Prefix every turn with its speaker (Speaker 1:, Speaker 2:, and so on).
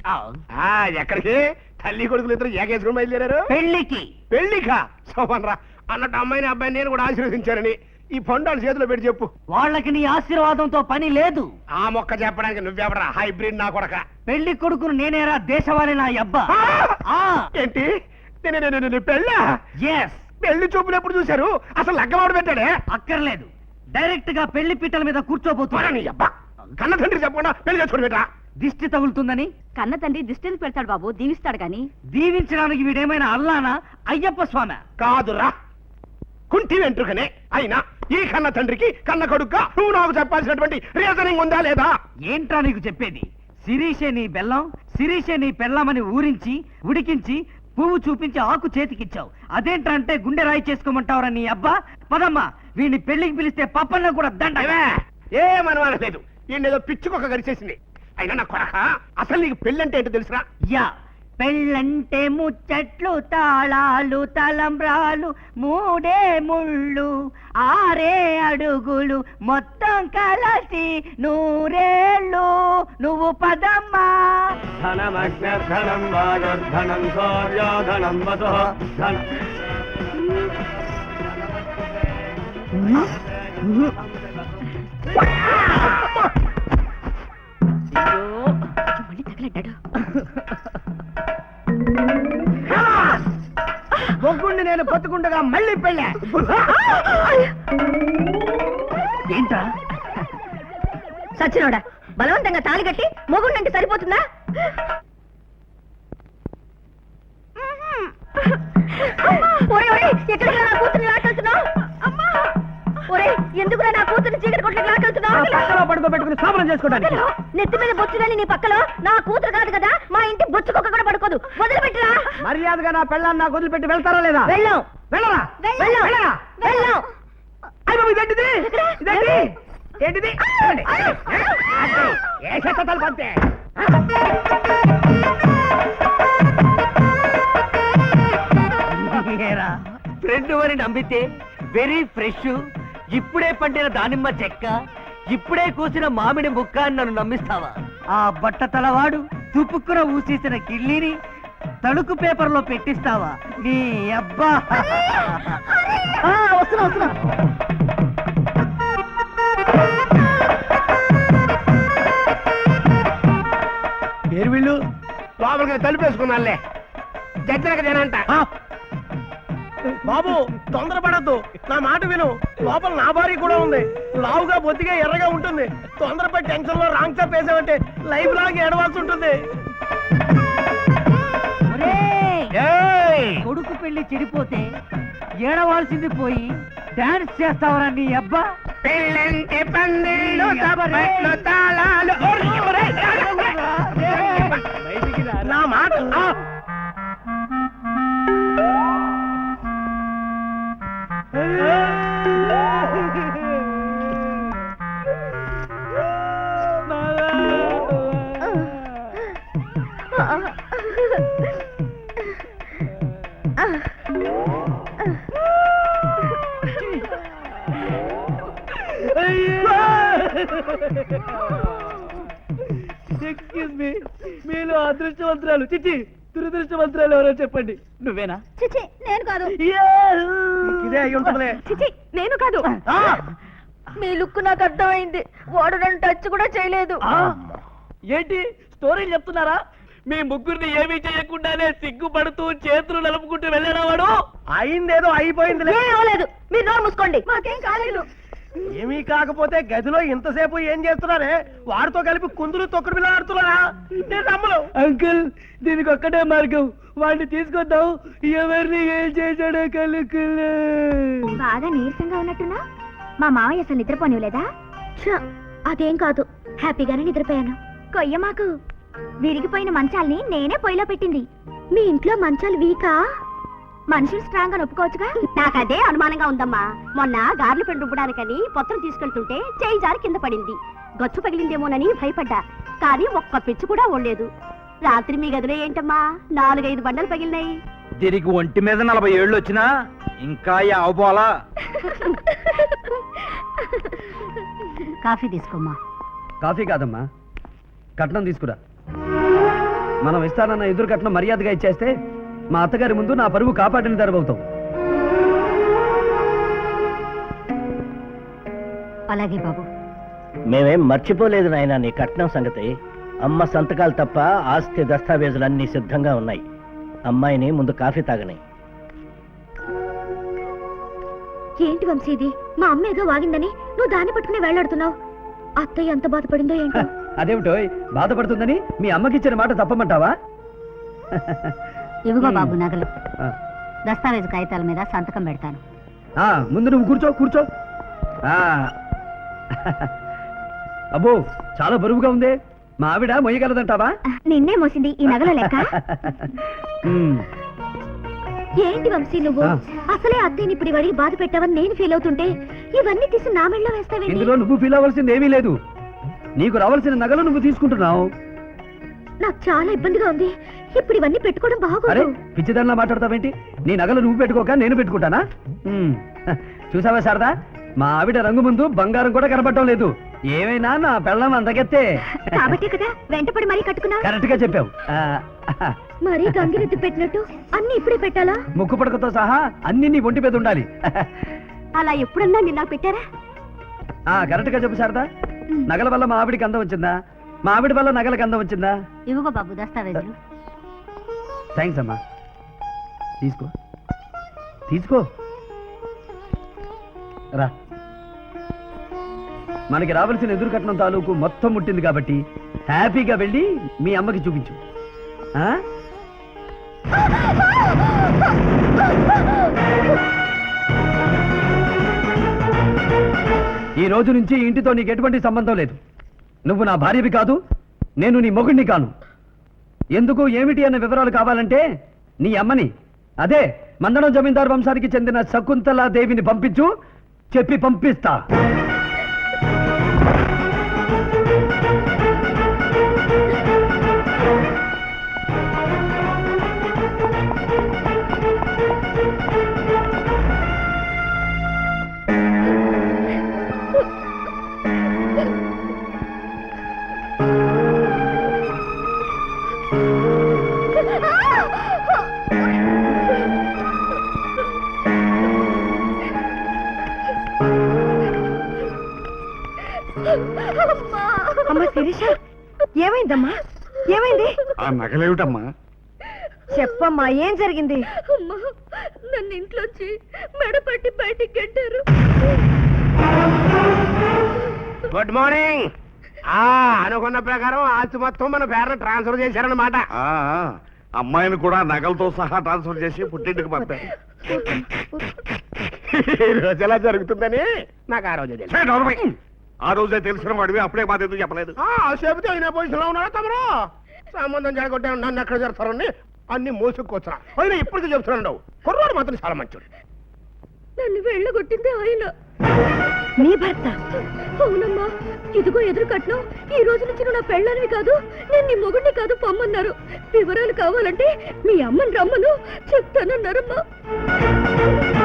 Speaker 1: ఎక్కడికి? తల్లి కొడుకులు ఇద్దరు ఏకేసుకుని బయలుదేరారు
Speaker 2: పెళ్లికి.
Speaker 1: పెళ్లికా? సోమన్రా అన్నట్టు అమ్మాయిని అబ్బాయిని నేను కూడా ఆశీర్వదించానని ఈ పండాలు చేతిలో పెట్టి చెప్పు.
Speaker 2: వాళ్ళకి నీ ఆశీర్వాదంతో పని లేదు.
Speaker 1: ఆ మొక్క చెప్పడానికి నువ్వెవరా హైబ్రిడ్ నా కొడక?
Speaker 2: పెళ్లి కొడుకును నేనేరా దేశవాళి నా అబ్బా.
Speaker 1: ఏంటి పెళ్ళా? పెళ్లి చూపులు ఎప్పుడు చూశారు? అసలు లగ్గమాడు పెట్టాడే?
Speaker 2: అక్కర్లేదు, డైరెక్ట్ గా పెళ్లి పీటల మీద కూర్చోబోతున్నా.
Speaker 1: కన్న తండ్రి చెప్పకుండా పెళ్లి చేసుకోండి బేటా.
Speaker 2: దిష్టి తగులుతుందని
Speaker 3: కన్న తండ్రి దిష్టిని పెడతాడు బాబు, దీవిస్తాడు గాని.
Speaker 2: దీవించడానికి వీడేమైనా అల్లానా అయ్యప్ప స్వామి?
Speaker 1: కాదురా, కుంటి వెంట్రుకనే. అయినా ఈ కన్న తండ్రికి కన్న కొడుగ్గా నువ్వు నాకు చెప్పాల్సినటువంటి రీజనింగ్ ఉందా లేదా?
Speaker 2: ఏంట్రా నీకు చెప్పేది? శిరీషే నీ బెల్లం, శిరీషే నీ పెళ్ళమని ఊరించి ఉడికించి పువ్వు చూపించి ఆకు చేతికిచ్చావు. అదేంట్రా అంటే గుండె రాయి చేసుకోమంటావురా నీ అబ్బా. పదమ్మా, వీడిని పెళ్లికి పిలిస్తే పప్పన్న కూడా దండ.
Speaker 1: ఏమనలేదు, ఈయనేదో పిచ్చుకొక గరిచేసింది. అయినా నా కొడక, అసలు నీకు పెళ్ళంటే ఏంటో తెలుసురా?
Speaker 2: యా, పెళ్ళంటే ముచ్చట్లు, తాళాలు, తలంబ్రాలు, మూడే ముళ్ళు, 6 అడుగులు, మొత్తం కలసి 100 నువ్వు పదమ్మా.
Speaker 1: ధనమగ్నధనం వాయుర్ధనం సూర్యోధనం వసు
Speaker 2: బొగ్గుండి నేను బతుకుండగా మళ్ళీ పెళ్ళా. ఏంట్రా
Speaker 3: సచ్చినోడా, బలవంతంగా తాళి కట్టి మొగుండంటే సరిపోతుందా? ఎక్కడికి నా కూతుర్ని లాకెళ్తున్నావు? ఎందుకు నా కూతుర్ని చీకటి కొట్లకి లాకెళ్తున్నావు?
Speaker 2: పడుకోబెట్టుకుని సామరం చేసుకోవడానికి.
Speaker 3: నెత్తి మీద బొచ్చులని నీ పక్కలో నా కూతురు కాదు కదా, మా ఇంటి బొచ్చుకొక్క కూడా పడుకోదు. వదిలిపెట్టరా.
Speaker 2: మర్యాదగా నా పెళ్ళాన్ని నాకు వదిలిపెట్టి వెళ్తారా లేదా?
Speaker 3: వెళ్ళాం.
Speaker 2: వెళ్ళరా?
Speaker 3: వెళ్ళాం. వెళ్ళాం.
Speaker 2: ఏంటిది? ఫ్రెండ్ అని నమ్మితే వెరీ ఫ్రెష్, ఇప్పుడే పండిన దానిమ్మ చెక్క, ఇప్పుడే కూసిన మామిడి ముక్క అని నన్ను నమ్మిస్తావా? ఆ బట్ట తలవాడు తుపుక్కున ఊసేసిన కిళ్ళిని తణుకు పేపర్లో పెట్టిస్తావా? నీ అబ్బా. వస్తున్నా.
Speaker 1: పేరు వీళ్ళు లోపలికి తలుపేసుకున్నాలే. జడ్జనక జనంట. బాబు తొందరపడద్దు, నా మాట విను. లోపల నా భార్య కూడా ఉంది. లావుగా బొత్తిగా ఎర్రగా ఉంటుంది. తొందరపై టెన్షన్ లో రాంగ్ చాప్ వేసామంటే లైఫ్ లాగా ఏడవాల్సి ఉంటుంది.
Speaker 2: కొడుకు పెళ్లి చెడిపోతే ఏడవాల్సింది పోయి డాన్స్ చేస్తావరా నీ అబ్బా.
Speaker 1: పెళ్ళంటే పందిళ్ళు, తాళాలు. నా మాట
Speaker 2: ఎక్స్క్యూజ్ మీ, మీలో అదృష్టవంతురాలు చిచ్చి దురదృష్టవంతురాలు ఎవరో చెప్పండి. నువ్వేనా?
Speaker 3: చిచి, నేను కాదు.
Speaker 1: ఇదే అయి ఉంటుందిలే.
Speaker 3: చిచి, నేను కాదు. మీ లుక్ నాకు అర్థమైంది. వాడు నన్ను టచ్ కూడా చేయలేదు.
Speaker 2: ఏంటి స్టోరీలు చెప్తున్నారా? మీ ముగ్గురిని ఏమీ చేయకుండానే సిగ్గుపడుతూ చేతులు నలుపుకుంటూ వెళ్ళాడా వాడు?
Speaker 1: అయిందేదో అయిపోయింది.
Speaker 3: లేదు, మీరు నోరు మూసుకోండి. మాకేం కాలేదు.
Speaker 1: ఏమీ కాకపోతే గదిలో ఇంతసేపు ఏం చేస్తున్నారే? వాడితో కలిపి కుందులు తొక్కుడు బిళ్ళ ఆడుతున్నారా? నేను నమ్మను.
Speaker 2: అంకుల్, దీనికి ఒక్కటే మార్గం, వాడిని తీసుకొద్దాం. ఎవరిని ఏం చేశాడో కలుకులే.
Speaker 3: బాగా నీరసంగా ఉన్నట్టున్నా? మా మావయ్య అసలు నిద్రపోనివ్వలేదా? అదేం కాదు, హ్యాపీగానే నిద్రపోయాను. కొయ్య మాకు విరిగిపోయిన మంచాల్ని నేనే పొయ్యిలో పెట్టింది. మీ ఇంట్లో మంచాలు వీకా? మనుషులు స్ట్రాంగ్ అని ఒప్పుకోవచ్చుగా. నాకు అదే అనుమానంగా ఉందమ్మా. మొన్న గార్లు పెండు రుబ్బడానికని పొత్తం తీసుకెళ్తుంటే చేయి జారి కింద పడింది. గచ్చు పగిలిందేమోనని భయపడ్డా, కానీ ఒక్క పిచ్చు కూడా ఓడలేదు. రాత్రి మీ గదిలో ఏంటమ్మా 4-5 బండలు పగిలినాయి.
Speaker 2: దీనికి ఒంటి మీద 40 ఏళ్ళు వచ్చినా ఇంకా అవపోలా.
Speaker 3: కాఫీ తీసుకోమ్మా.
Speaker 2: కాఫీ కాదమ్మా, కట్నం తీసుకురా.
Speaker 4: మనం ఇస్తానన్న ఎదురు కట్నం మర్యాదగా ఇచ్చేస్తే మా అత్తగారి ముందు నా పరువు కాపాడిన దరబవుతాం.
Speaker 3: అలాగే బాబు.
Speaker 1: మేమేం మర్చిపోలేదు నాయనా నీ కట్నం సంగతి. అమ్మ సంతకాలు తప్ప ఆస్తి దస్తావేజులన్నీ సిద్ధంగా ఉన్నాయి. అమ్మాయిని ముందు కాఫీ తాగని.
Speaker 3: ఏంటి వంశీ ఇది? మా అమ్మ ఏదో వాగిందని నువ్వు దాన్ని పట్టుకుని వేలాడుతున్నావు. అత్తయ్య ఎంత బాధపడిందో ఏంటో.
Speaker 4: అదేమిటో బాధపడుతుందని మీ అమ్మకిచ్చిన మాట తప్పమంటావా?
Speaker 3: ఇవిగో బాబు నగలు. దస్తావేజు కాగితాల మీద సంతకం పెడతాను.
Speaker 4: ముందు నువ్వు కూర్చో కూర్చో. అబ్బో చాలా బరువుగా ఉంది. మా ఆవిడ మొయ్యగలదంటావా?
Speaker 3: నిన్నే మోసింది ఈ నగల లెక్క. ఏంటి వంశీ నువ్వు అసలే అత్తయ్యని ఇప్పుడు వాడికి బాధ పెట్టావని నేను ఫీల్ అవుతుంటే ఇవన్నీ తీసి నా మెళ్ళలో వేస్తావేంటి?
Speaker 4: ఇందులో నువ్వు ఫీల్ అవ్వాల్సింది ఏమీ లేదు. నీకు రావాల్సిన నగలు నువ్వు తీసుకుంటున్నావు.
Speaker 3: నాకు చాలా ఇబ్బందిగా ఉంది. ఇప్పుడు ఇవన్నీ పెట్టుకోవడం
Speaker 4: అరే
Speaker 3: బాగోదు.
Speaker 4: పిచ్చిదానిలా మాట్లాడతావేంటి? నీ నగలు నువ్వు పెట్టుకోక నేను పెట్టుకుంటానా? చూసావా శారదా, మా ఆవిడ రంగు ముందు బంగారం కూడా కనపడటం లేదు. ఏమైనా నా పెళ్ళం అందగెత్తే.
Speaker 3: కాబట్టి కదా వెంటపడి మరీ కట్టుకున్నా.
Speaker 4: కరెక్ట్ గా చెప్పావు.
Speaker 3: మరీ గంగిరెద్దు పెట్టినట్టు అన్ని ఇప్పుడే పెట్టాలా?
Speaker 4: ముక్కు పడకతో సహా అన్ని నీ ఒంటి మీద ఉండాలి.
Speaker 3: అలా ఎప్పుడన్నా నిన్న పెట్టారా?
Speaker 4: కరెక్ట్ గా చెప్పు శారదా, నగల వల్ల మా ఆవిడికి అందం వచ్చిందా? మా ఆవిడ వల్ల నగలకు అందం వచ్చిందా?
Speaker 3: ఇవ్వగో బాబు దస్తావేజులు.
Speaker 4: థ్యాంక్స్ అమ్మా. తీసుకో తీసుకో రా. మనకి రావాల్సిన ఎదురు కట్నం తాలూకు మొత్తం ముట్టింది కాబట్టి హ్యాపీగా వెళ్ళి మీ అమ్మకి చూపించు. ఈ రోజు నుంచి ఇంటితో నీకు ఎటువంటి సంబంధం లేదు. నువ్వు నా భార్యవి కాదు, నేను నీ మొగుడిని కాను. ఎందుకు ఏమిటి అన్న వివరాలు కావాలంటే నీ అమ్మని, అదే మందడం జమీందారు వంశానికి చెందిన శకుంతలాదేవిని పంపించు, చెప్పి పంపిస్తా.
Speaker 3: అమ్మా శిరీష, ఏమైందమ్మా? ఏమైంది?
Speaker 5: ఆ నగలేమిటమ్మా?
Speaker 3: చెప్పమ్మా, ఏం జరిగింది?
Speaker 6: అమ్మా, నన్ను ఇంట్లోంచి మెడపట్టి బయటికి గెట్టారు.
Speaker 1: Good morning. అనుకున్న ప్రకారం ఆస్తి మొత్తం మన పేరున ట్రాన్స్ఫర్ చేశారన్నమాట.
Speaker 5: అమ్మాయిని కూడా నగలతో సహా ట్రాన్స్ఫర్ చేసి పుట్టింటికి పంపారు.
Speaker 1: ఈ రోజు ఎలా జరుగుతుందని నాకు ఆ రోజే తెలుసు.
Speaker 5: ఆ రోజే తెలిసిన వాడివి అప్పుడే మాది ఎందుకు చెప్పలేదు?
Speaker 1: చెబితే అయినా పొజిషన్ లో ఉన్నారా తమరు? సంబంధం జరగొట్టే నన్ను ఎక్కడ చేస్తారని అన్ని మోసుకొచ్చా. అయినా ఇప్పటికీ చెప్తున్నాడు, కుర్రాడు మాత్రం చాలా మంచోడు.
Speaker 6: నన్ను వెళ్ళగొట్టింది ఆయన.
Speaker 3: నీ భర్త?
Speaker 6: అవునమ్మా, ఇదిగో ఎదురు కట్నం. ఈ రోజు నుంచి నువ్వు నా పెళ్ళానివి కాదు, నేను నీ మొగుడిని కాదు పొమ్మన్నారు. వివరాలు కావాలంటే మీ అమ్మని రమ్మను చెప్తానన్నారమ్మా.